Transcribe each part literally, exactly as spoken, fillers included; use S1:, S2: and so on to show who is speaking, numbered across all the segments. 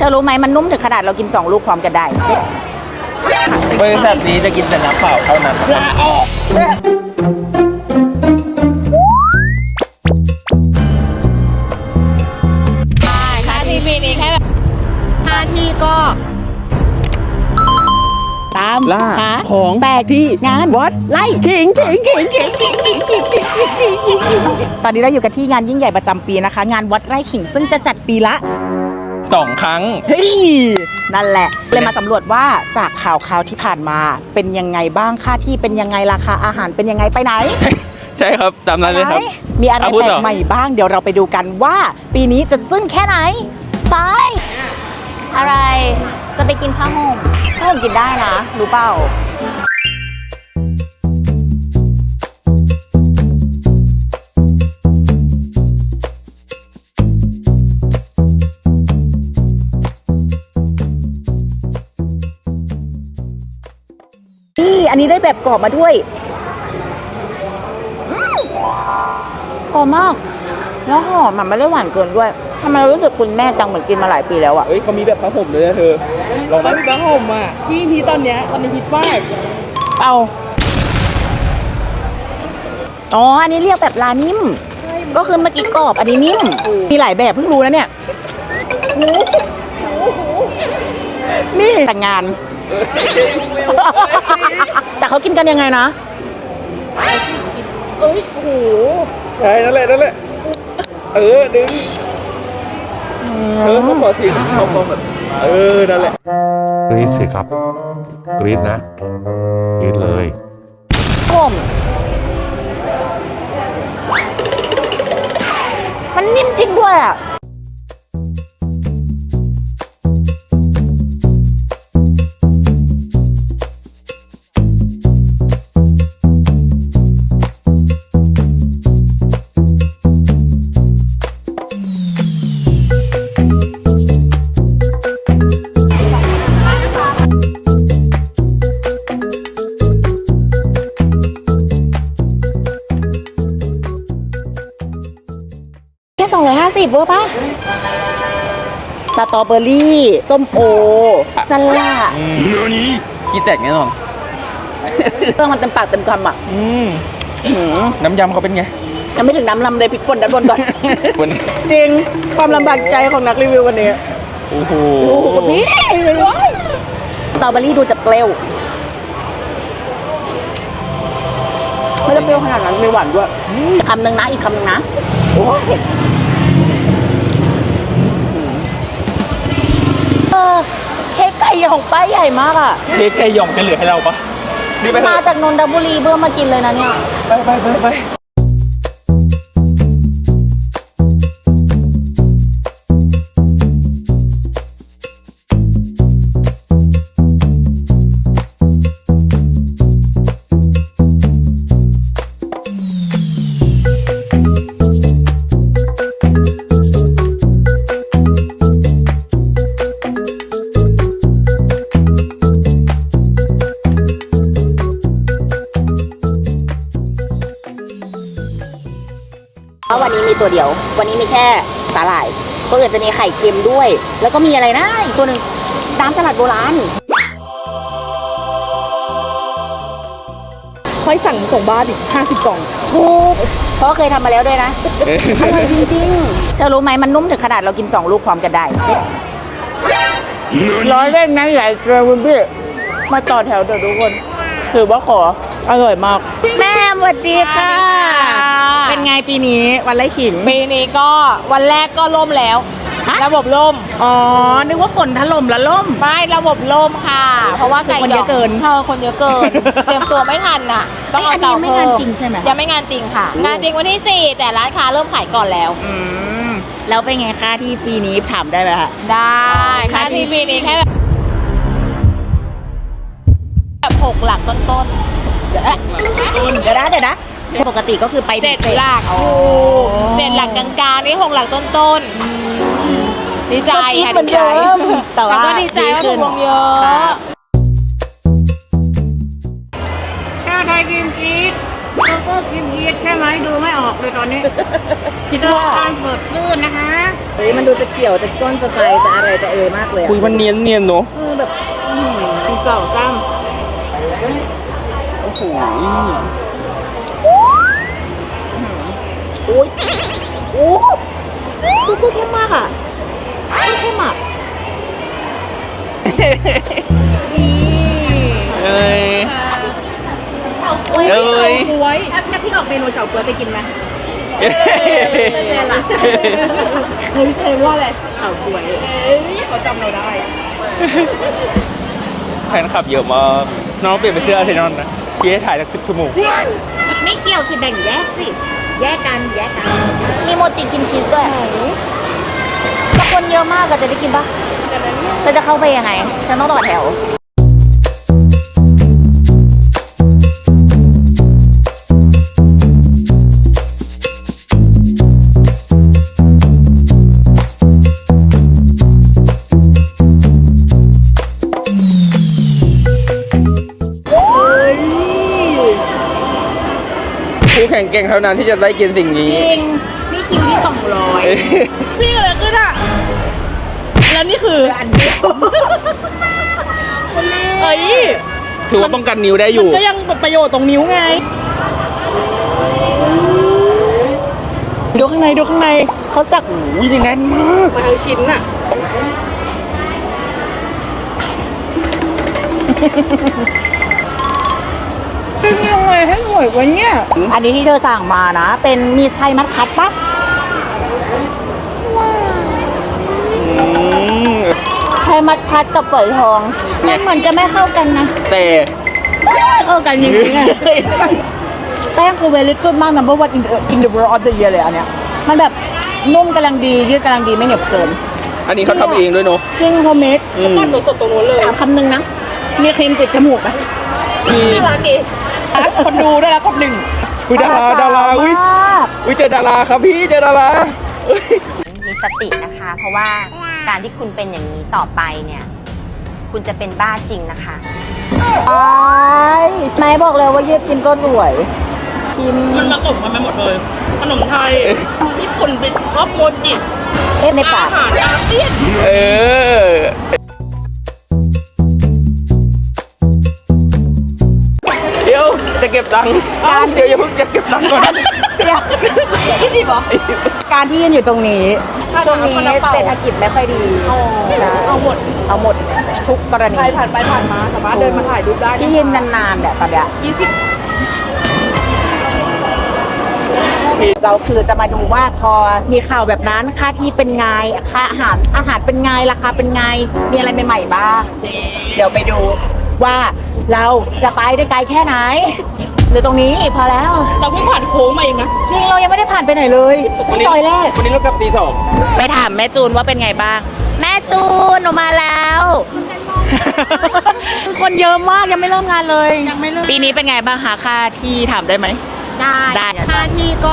S1: อรู้ไหมมันนุ่มถึงขนาดเรากินสองลูกพร้อมกันได้
S2: บริษัทนี้จะกินแต่น้ำเปล่าเท่านั้นลาออก
S1: ใช่ค่าทีวีนี้แค่แบบค่าที่ก็ตามหาของแปลกที่งานวัดไล่ขิงขิงขิงขิงขิงขิงขิงขิงขิงตอนนี้เราอยู่กันที่งานยิ่งใหญ่ประจำปีนะคะงานวัดไร่ขิงซึ่งจะจัดปีละ
S2: สองครั้ง
S1: เฮ้ยนั่นแหละเลยมาสำรวจว่าจากข่าวข่าวที่ผ่านมาเป็นยังไงบ้างค่าที่เป็นยังไงราคาอาหารเป็นยังไงไปไหน
S2: ใช่ครับตามนั้นเลยครับ
S1: มีอะไรแปลกใหม่บ้างเดี๋ยวเราไปดูกันว่าปีนี้จะซึ้งแค่ไหนไปอะไรจะไปกินผ้าห่มผ้าห่มกินได้นะรู้เปล่านี่อันนี้ได้แบบกรอบมาด้วยกรอบมากแล้วหอมมันไม่ได้หวานเกินด้วยทำไมรู้สึกคุณแม่จังเหมือนกินมาหลายปีแล้วอ่ะ
S2: เฮ้ยเขามีแบบผ้าห่มเลยนะเธอลองไหม
S3: ผ้าห่มอ่ะที่ที่ตอนเนี้ยตอนนี้ฮิตมาก
S1: เอาอ๋ออันนี้เรียกแบบลานิ่มก็คือเมื่อกี้กรอบอันนี้นิ่มมีหลายแบบเพิ่งรู้นะเนี่ยนี่แต่งงานแต่เขากินกันยังไงนะ
S3: เอ้ยโอ้โห
S2: ใช่นั่นแหละนั่นแหละเออดึงเออเขาขอทีเขาขอแบบเออนั่นแหละ
S4: กรี๊ดสิครับกรี๊ดนะกรี๊ดเลย
S1: ผมมันนิ่มจริงด้วยอ่ะสองร้อยห้าสิบเวอร์ป่ะสตรอเบอรี่ส้มโอสลัด
S2: เนื้อนี้ขี้แตกแน่นอน
S1: เครื่องมันเต็มปากเต็มคำอ่ะ
S2: น้ำยำเขาเป็นไง
S1: ยังไม่ถึงน้ำลำเลยพริกป่นด้านบนก่อนจริงความลำบากใจของนักรีวิววันนี้
S2: โอ้โห
S1: พี่สตรอเบอรี่ดูจะเปรี้ยวไม่ได้เปรี้ยวขนาดนั้นไม่หวานด้วยคำหนึ่งนะอีกคำหนึ่งนะเออเค้กไก่หย่องป้ายใหญ่มากอ่ะ
S2: เค้กไก่หย่องจะเหลือให้เราปะ
S1: มาจากนนทบุรีเพื่อมากินเลยนะเนี่ย
S2: ไปไปไปไป
S1: วันนี้มีตัวเดียววันนี้มีแค่สาหร่ายก็อื่นจะมีไข่เค็มด้วยแล้วก็มีอะไรนะอีกตัวหนึ่งน้ำสลัดโบราณ
S3: ค่อยสั่งส่งบ้านอีกห้าสิบกล่อง
S1: ถูกเพราะเคยทำมาแล้วด้วยนะอร่อยจริงๆเธอรู้ไหมมันนุ่มถึงขนาดเรากินสองลูกพร้อมกันได้ร้อยเล่นนะใหญ่เกินคุณพี่มาต่อแถวเดี๋ยวทุกคนถือว่าขออร่อยมากแม่สวัสดีค่ะเป็นไงปีนี้วันไร่ขิง
S5: ปีนี้ก็วันแรกก็ล่มแล้วระบบล่ม
S1: อ๋อนึกว่าฝนถล่มแล้วล่ม
S5: ไม่ระบบล่มค่ะเพราะว่าไก่
S1: คนเยอะเกิน
S5: เธอคนเยอะเกินเตรียมตัวไม่ทันน่ะ
S1: ต้องเอาเตาเพิ่มไม่งานจริงใช่ไหม
S5: ยังไม่งานจริงค่ะงานจริงวันที่สี่แต่ร้านค้าเริ่มขายก่อนแล้ว
S1: อืมแล้วเป็นไงค่าที่ปีนี้ถามได้ไหมคะ
S5: ได้ค่าที่ปีนี้แค่แบบแบบหกหลักต้นๆ
S1: เดี๋ยวนะเดี๋ยวนะเดี๋ยวนะปกติก็คือไป
S5: เจ็ดหลักเจ็ดหลักกลางๆนี่หกหลักต้นๆดีใจค่ะดีใจ
S1: แต่ว่า
S5: ก็ดีใจว่าถูกลงเยอะชาไทยครีมชีส
S1: ก็กินเยอะใช่ไหมดูไม่ออกเลยตอนนี้คิดว่าการเปิดซื่นนะคะเฮ้ยมันดูจะเกี่ยวจะก้นจะใจจะอะไรจะเออมากเลย
S2: คุยมันเนียนเนียนเนาะ
S1: เออแบบตีสองซ้ำโอ้โหโอ้ยโอ้ดูก็เข้มมากอ่ะเข้มอ่ะ
S2: เอ้ย
S1: เอ้ย
S2: เอ้ย
S1: กล้วยถ้าพี่ออกเมนูเฉาก๊วยไปกินไหมเนี่ยล่ะ
S3: เฮ้ยแสดงว่าอะไร
S1: เฉาก๊วย
S3: เอ้ยเขาจำเราได้
S2: แฟนคลับเยอะมากน้องเปลี่ยนไปเสื้ออาร์เซนอลนะพี่ให้ถ่ายสักสิบชั่วโมง
S1: ไม่เกี่ยวสิแบ่งแยกสิแยกกันแยกกันมีโมจิกินชีสด้วยถ้าคนเยอะมากก็จะได้กินปะฉันจะเข้าไปยังไงฉันต้องต่อแถว
S2: ผู้แข่งเก่งเท่านั้นที่จะได้กินสิ่งนี้
S1: จริงนี่คิวที่สองร้อย
S3: พี่อะไรขึ้นอ่ะ แล้วนี่คือ
S1: อันเดียว
S3: เอ้ย
S2: ถือว่าป้องกันนิ้วได้อยู่
S3: ก็ยังประโยชน์ตรงนิ้วไง
S1: ดูข้างในดูข้างในเขาสัก
S2: อุ้ยนี่แน่นมาก
S3: มาทั้งชิ้นอ่ะ
S1: เป็นยังไงให้หน่วยวะเนี่ยอันนี้ที่เธอสั่งมานะ เป็นมีชัยมัดคัดปะ
S2: อืม
S1: ชัยมัดคัดกับฝอยทองมันเหมือนจะไม่เข้ากันนะ
S2: แต่
S1: เข้ากันจริงๆอะแป้งคือ very good มาก number one in the in the world of the year เลยอันเนี้ยมันแบบนุ่มกำลังดียืดกำลังดีไม่เหนียวเกิน
S2: อันนี้เขาทำเองด้วยเนาะ
S1: ซึ่งโฮมเมด
S2: อืม
S3: ปั้นสดๆตรงนู้นเลย
S1: ถามคำนึงนะ มีครีมติดจมูกไหม
S2: มี
S3: น่ารักดีคนดูได้แล้วคนหนึ่ง
S2: อุ้ยดาราดาราอุ้ย
S1: มาก
S2: อุ้ยเจอดาราครับพี่เจอดาราเอ้ย
S6: มีสตินะคะ เพราะว่าการที่คุณเป็นอย่างนี้ต่อไปเนี่ย คุณจะเป็นบ้าจริงนะคะ
S1: ไอ้ไหนบอกเลยว่ายืดกินก็สวยกิน
S3: มันผสมกันไปหมดเลย ขนมไทย ญี่ปุ่นเป็นครอบโมจิ
S1: เอ๊ะในปา
S3: อาก หารอาเซียน
S2: เออ เดี๋ยวจะเก็บตังค์เดี๋ยวอย่าเพิ่งจะเก็บตังค์ก่อน
S3: ที่ดีเหรอ
S1: การที่ยืนอยู่ตรงนี้
S3: ค่า
S1: ช่วงนี้
S3: น้ำค่าน้ำเปล่า
S1: เศรษฐกิจไม่ค่อยดีใช่
S3: เอาหมด
S1: เอาหมดทุกกรณี
S3: ใครผ่านไปผ่านมาสามารถเดินมาถ่ายรูปได้
S1: ที่ยืนนานๆเนี่ยตอนเนี้ย
S3: ยี่สิบ
S1: เราคือจะมาดูว่าพอมีข่าวแบบนั้นค่าที่เป็นไงค่าอาหารอาหารเป็นไงราคาเป็นไงมีอะไรใหม่ๆบ้างเดี๋ยวไปดูว่าเราจะไปได้ไกลแค่ไหน หรือตรงนี้พอแล้ว
S3: เราเพิ่งผ่านโค้งมาเองนะ
S1: จริงเรายังไม่ได้ผ่านไปไหนเลยที่ซอยแรก
S2: วันนี้เรากลับตีสอง
S1: ไปถามแม่จูนว่าเป็นไงบ้าง แม่จูนหนูมาแล้ว คนเยอะมากยังไม่เริ่มงานเลย
S3: ยังไม่เริ่ม
S1: ปีนี้เป็นไงบ้างคะค่าที่ถามได้ไหม
S7: ได้
S1: ได้
S7: ค่าที่ก็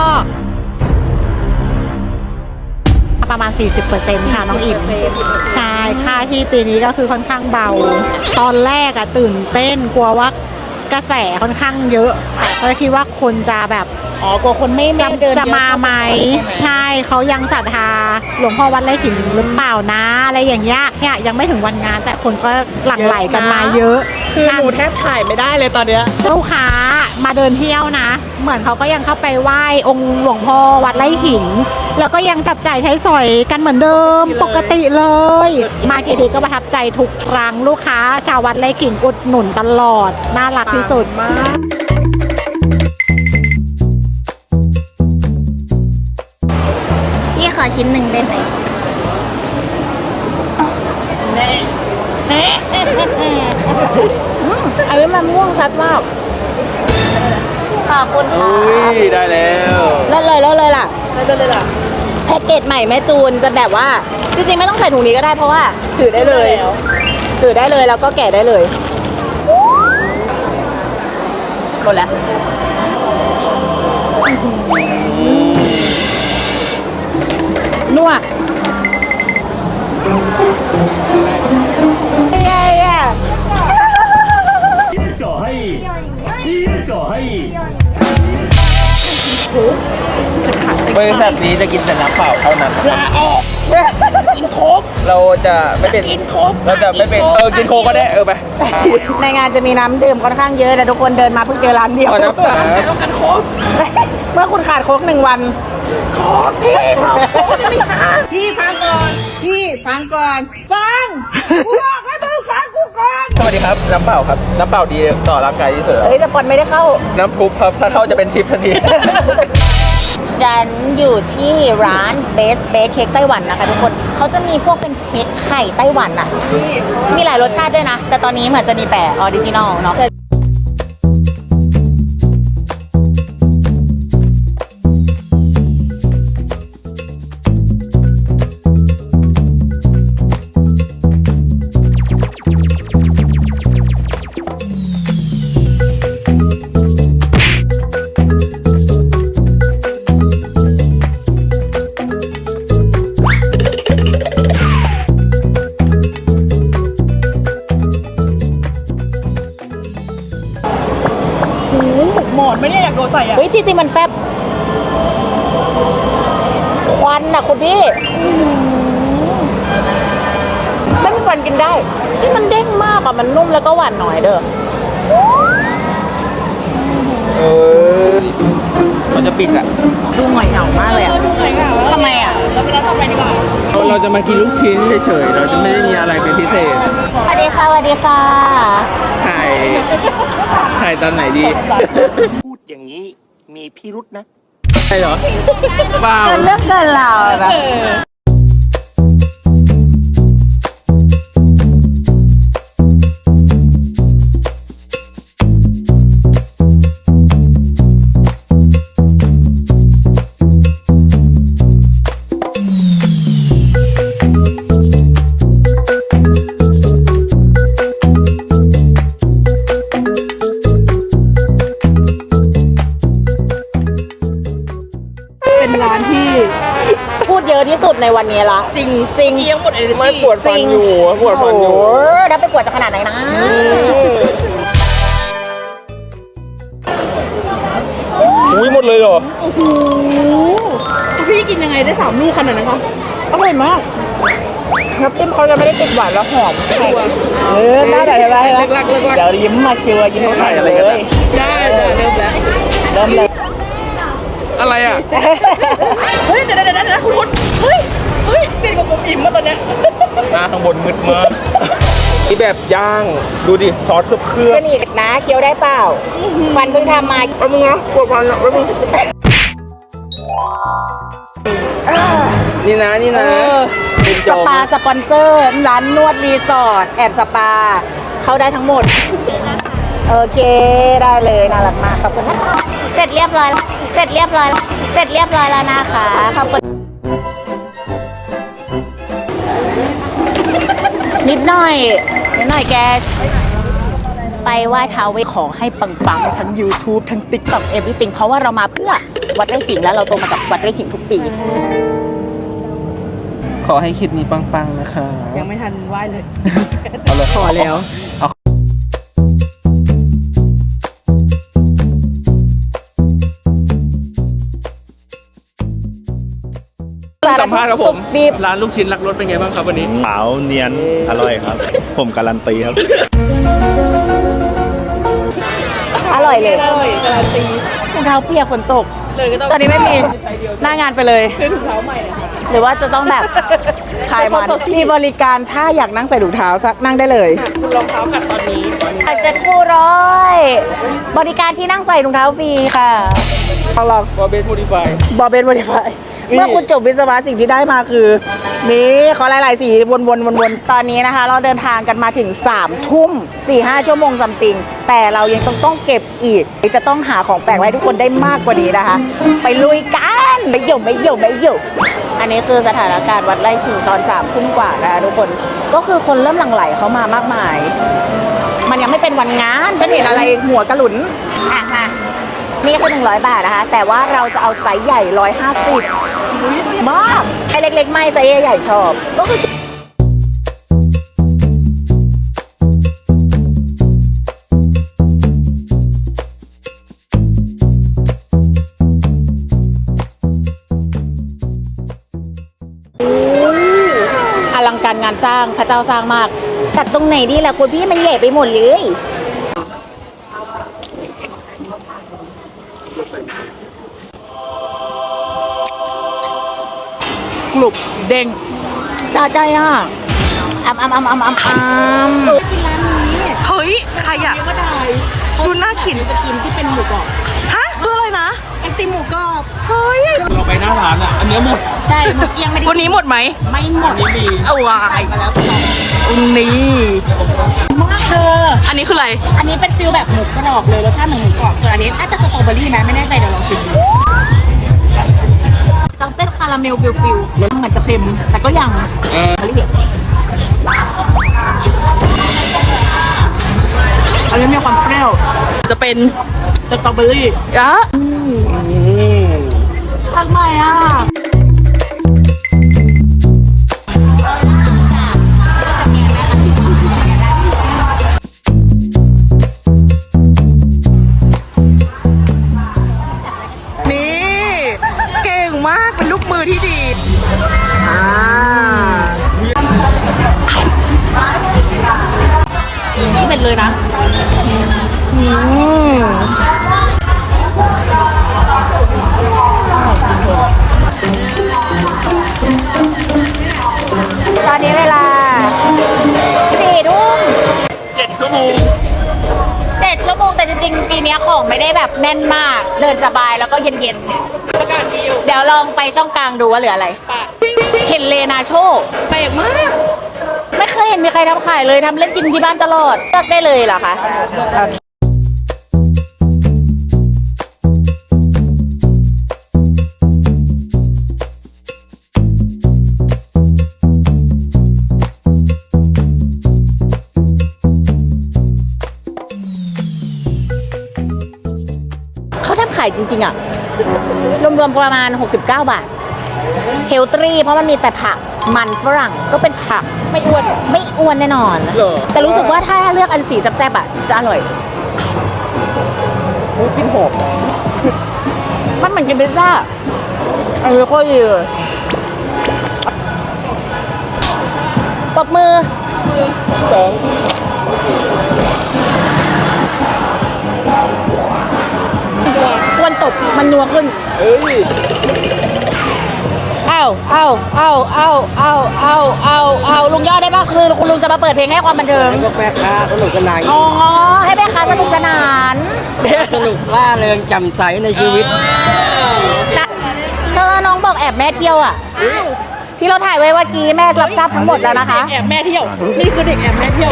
S7: ประมาณ สี่สิบเปอร์เซ็นต์ ค่ะน้องอิ่มใช่ค่าที่ปีนี้ก็คือค่อนข้างเบา ตอนแรกอะตื่นเต้นกลัวว่ากระแสค่อนข้างเยอะ แต่ก็คิดว่าคนจะแบบ
S1: อ๋อกลัวคนไม่
S7: จะ
S1: ไม่เดิน
S7: จะมาไหม
S1: เยอะเข้าไปใช่ไหม
S7: ใช่เขายังศรัทธาหลวงพ่อวัดไร่ขิงหรือเปล่านะ อะไรอย่างเงี้ยเนี่ยยังไม่ถึงวันงาน แต่คนก็หลั่งไหลกันมาเยอะ
S1: คือหนูแทบถ่ายไม่ได้เลยตอนเนี้ย
S7: ลูกค้ามาเดินเที่ยวนะ เหมือนเขาก็ยังเข้าไปไหว้องค์หลวงพ่อวัดไร่ขิง แล้วก็ยังจับจ่ายใช้สอยกันเหมือนเดิมปกติเลย มากี่ทีก็ประทับใจทุกครั้งลูกค้าชาววัดไร่ขิงอุดหนุนตลอด น่ารักที่สุด
S1: พี่ขอชิ้นหนึ่งได้ไหม
S3: แน่
S1: อืมอันนี้มันม่วงชัดมากขอบคุณค่ะ
S2: อุ้ยได้แล้ว
S1: เลิศเลยเลิศเลยล่ะ
S3: ได้เลยเลยล่ะ
S1: แพ็กเกจใหม่แม่จูนจะแบบว่า จริงๆไม่ต้องใส่ถุงนี้ก็ได้เพราะว่าถือได้เลย
S3: แล้ว
S1: ถือได้เลยแล้วก็แกะได้เลยหมดแล้วนัวเย้เย้
S8: 小黑，一小黑。
S2: บริษัทนี้จะกินแต่น้ำเปล่าเท่านั้น
S3: ลาออกกินโคก
S2: เราจะไม่เป็น
S3: กินโค้ก
S2: เราจะไม่เป็นเออกินโค้กก็ได้เออไป
S1: ในงานจะมีน้ำดื่มค่อนข้างเยอะแต่ทุกคนเดินมาเพิ่งเจอร้านเดียว
S2: เอาน้ำเปล่า
S3: ต้องกันโค้ก
S1: เมื่อคุณขาดโค้กหนึ่งวัน
S3: โค้กพี่เราโค้กไม่ค้า
S1: พี่ฟังก่อน พี่ฟังก่อน ฟังกูบอกให้มึงฟังกูก่อน
S2: สวัสดีครับน้ำเปล่าครับน้ำเปล่าดีต่อร่างกายที่สุดแล้ว
S1: เฮ้ยแต่ปอนไม่ได้เข้า
S2: น้ำพุครับถ้าเข้าจะเป็นทิปทันที
S1: ฉันอยู่ที่ร้านเบสเบคเค้กไต้หวันนะคะทุกคน เขาจะมีพวกเป็นเค้กไข่ไต้หวันอะมีหลายรสชาติด้วยนะ แต่ตอนนี้เหมือนจะมีแต่ออริจินอลเนาะ
S3: หมอนไม่เนี่ยอยากโดนใส่อ่ะ
S1: เฮ้ยจริงๆมันแฟบควันอะคุณพี่ไม่มีควันกินได้ที่มันเด้งมากอะมันนุ่มแล้วก็หวานหน่อยเด้อ
S2: เออมันจะปิดอ่ะ
S1: ดูหงอยเหงามากเลยอะทำไมอะ
S3: เราไปร้านต่อไปดีกว่า
S2: เราจะมากินลูกชิ้นเฉยๆเราจะไม่ได้มีอะไรเป็นพิเศษ
S1: สวัสดีค่ะสวัสดีค่ะ
S2: ถ่ายถ่ายตอนไหนดี
S8: พูดอย่างนี้มีพิรุษนะ
S2: ใช่เหรอเปล่า
S1: มันเลือกเดินเราแบบ
S3: เป็นร้านที่
S1: พูดเยอะที่สุดในวันนี้ละ
S3: จริง
S1: จริง
S3: เอียงหมดเอเนอร์
S2: ไม่
S3: จี
S2: ปวดฟันอยู่ปวดฟันอยู่
S1: โอ้โหแล้วไปปวดจะขนาดไหนนะ
S2: อุ้ยหมดเลยเหรอ
S3: โอ้โหพี่กินยังไงได้สามลูกขนาดนั้นคะ
S1: อร่อยมากน้ำจิ้มเขาจะไม่ได้ติดหวานแล้วหอมเออได้ได้ได้
S3: เลิกลักเลิกลัก
S1: เดี๋ยวยิ้มมาเชียวยิ้มมา
S2: ถ่ายอะไรกันอะ
S3: ได้ได้เริ่มแล้ว
S1: เริ่มเลย
S2: อะไรอ่ะ
S3: เฮ้ยเดี๋ยวเดี๋ยวเดี๋ยวคุณคุณเฮ้ยเฮ้ยเปลี่ยนกับผมอิ่มมาตอนเนี้ย
S2: หน้าข้างบนมืดมากนี่แบบย่างดูดิซอสเคลือบเคลือบ
S1: ก็นี่นะเคี้ยวได้เปล่าฟันเพิ่งทำมา
S2: แป๊บนึงนะปวดฟันอ่ะแป๊บนึงนี่นะนี่นะเป็นจ
S1: ส
S2: อม
S1: ปาสปอนเซอร์ ร้านนวดรีสอร์ทแอนด์สปา เข้าได้ทั้งหมด โอเคได้เลยน่ารักมากขอบคุณนะคะเสร็จเรียบร้อยเสร็จเรียบร้อยเสร็จเรียบร้อยแล้วนะคะขอบคุณนิดหน่อยนิดหน่อยแก ไปไหว้ท้าวเวสขอให้ปังๆทั้ง YouTube ทั้ง TikTok everything เพราะว่าเรามาเพื่อวัดไร่ขิงแล้วเราโตมากับวัดไร่ขิงทุกปี
S2: ขอให้คลิปนี้ปังๆนะคะ
S3: ยังไม่ทันไหว้เลย
S2: เอาเลยขอแล้วเอาสัมภาษณ์ครับผม
S1: ดิบ
S2: ร้านลูกชิ้นรักรสเป็นไงบ้างครับวันนี้
S8: ขาวเนียน อร่อยครับ ผมการันตีครับ
S1: อร่อยเลย
S3: อร่อยการันตี
S1: รองเท้าเปียกฝนตก
S3: เลยก็ต้อง
S1: ตอนนี้ไม่มีหน้างานไปเลย
S3: ซื้อถุงเท้าใหม่เลยค่ะ
S1: หรือว่าจะต้องแบบขายมันมีบริการถ้าอยากนั่งใส่ถุงเท้าสักนั่งได้เลย
S3: คุณรองเท้ากัดตอนนี้
S1: เจ็ดคู่ร้อยบริการที่นั่งใส่ถุงเท้าฟรีค่ะลองลอง
S2: บอเบสโมดิฟาย
S1: บอเบนบริฟาย
S2: นี่
S1: เมื่อคุณจบวิศวะสิ่งที่ได้มาคือ นี่ขอหลายๆสีวนๆวนๆตอนนี้นะคะ เราเดินทางกันมาถึงสามทุ่มสี่ห้าชั่วโมงซัมติง แต่เรายังต้องต้องเก็บอีก จะต้องหาของแปลกไว้ให้ทุกคนได้มากกว่านี้นะคะ ไปลุยกันไม่หยุดไม่หยุดไม่หยุดอันนี้คือสถานการณ์วัดไร่ขิงตอนสามทุ่มกว่านะคะทุกคนก็คือคนเริ่มหลั่งไหลเข้ามามากมาย มันยังไม่เป็นวันงานฉันเห็นอะไรหัวกระหลุนอ่ะมานี่คือหนึ่งร้อยบาทนะคะ แต่ว่าเราจะเอาไซส์ใหญ่ร้อยห้าสิบมากไอ้เล็กๆไม่ไซส์ใหญ่ๆชอบก็คือการงานสร้างพระเจ้าสร้างมากตัดตรงไหนดีล่ะคุณพี่มันเละไปหมดเลยกรุบเด้งสะใจอ่ะอ้ำอ้ำอ้ำอ้ำอ้ำอ้ำ
S3: เฮ้ย ใครอะดูน่ากิน
S1: จะกินที่เป็นหมูกรอบ
S3: ฮะคืออะไรนะ
S1: ไอติมหมูกรอบ
S3: เฮ้ย
S2: เราไปหน้าร้านอ่ะ อันเนี้ยหมด
S1: ใช่หมูเกี๊ยงไม่ได้
S3: วันนี้หมดไหม
S1: ไม่หมด
S2: อันนี้มี
S3: เอาวาย
S1: มาแล้วสอง
S3: นี่
S1: มากเธอ
S3: อันนี้คืออะไร
S1: อันนี้เป็นฟิลแบบหมูกรอบเลยรสชาติเหมือนหมูกรอบส่วนอันนี้อาจจะสตรอเบอรี่นะไม่แน่ใจเดี๋ยวลองชิมดูจังเต้นคาราเมลฟิวๆมันเหมือนจะเค็มแต่ก็ยัง
S2: เออ
S1: อันนี้อันนี้มีความเปรี้ยว
S3: จะเป็น
S1: สตรอเบอรี่
S3: อะ
S1: ทำไมอ่ะ
S3: นี่ เก่งมาก เป็นลูกมือที่ดีอ่า
S1: นี่เป็นเลยนะตอนนี้เวลาสี่ทุ่ม
S2: เจ็ดชั่วโมง
S1: เจ็ดชั่วโมงแต่จริงๆปีนี้ของไม่ได้แบบแน่นมาก เดินสบายแล้วก็เย็นๆ เดี๋ยวลองไปช่องกลางดูว่าเหลืออะไร เห็นเลนาโชแปลกมาก ไม่เคยเห็นมีใครทำขายเลยทำเล่นกินที่บ้านตลอดเลือกได้เลยเหรอคะโอเคเขาทำขายจริงๆอ่ะ รวมๆประมาณหกสิบเก้าบาท เฮลตรีเพราะมันมีแต่ผักมันฝรั่งก็เป็นผักไม่อ้วนไม่อ้วนแน่นอน
S2: เหรอ
S1: แต่รู้สึกว่าถ้าเลือกอันสีแซ่บๆอ่ะจะอร่อย
S2: โอ้ยกินหอม
S1: มันเหมือนกินพิซซ่าอันนี้โคตรดีเลยปรบมือ
S2: สอง
S1: ควรตบมันนัวขึ้น
S2: เอ้ย
S1: เอ้าเอ้าเอ้าเอ้าเอ้าเอ้าเอ้าเอ้าลุงยอดได้ป่ะคือคุณลุงจะมาเปิดเพลงให้ความบันเทิง
S2: ก็แม่ค้าสนุกสนาน
S1: อ๋อให้แม่ค้าสนุกสนาน
S2: สนุกล่าเริงแจ่มใสในชีวิต
S1: นะเธอน้องบอกแอบแม่เที่ยวอ่ะที่เราถ่ายไว้เมื่อกี้แม่รับทราบทั้งหมดแล้วนะคะ
S3: แอบแม่เที่ยว นี่คือเด็กแอบแม่เที่ยว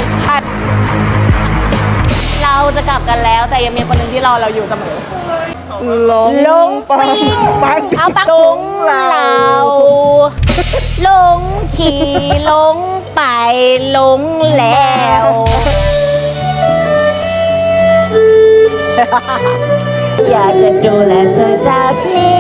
S1: เราจะกลับกันแล้วแต่ยังมีคนหนึ่งที่รอเราอยู่เสมอ
S2: ลง
S1: ลงปิ้งเอาปักตุงเราลงขี่ลงไปลงแล้ว อยากจะดูแลเธอจากนี้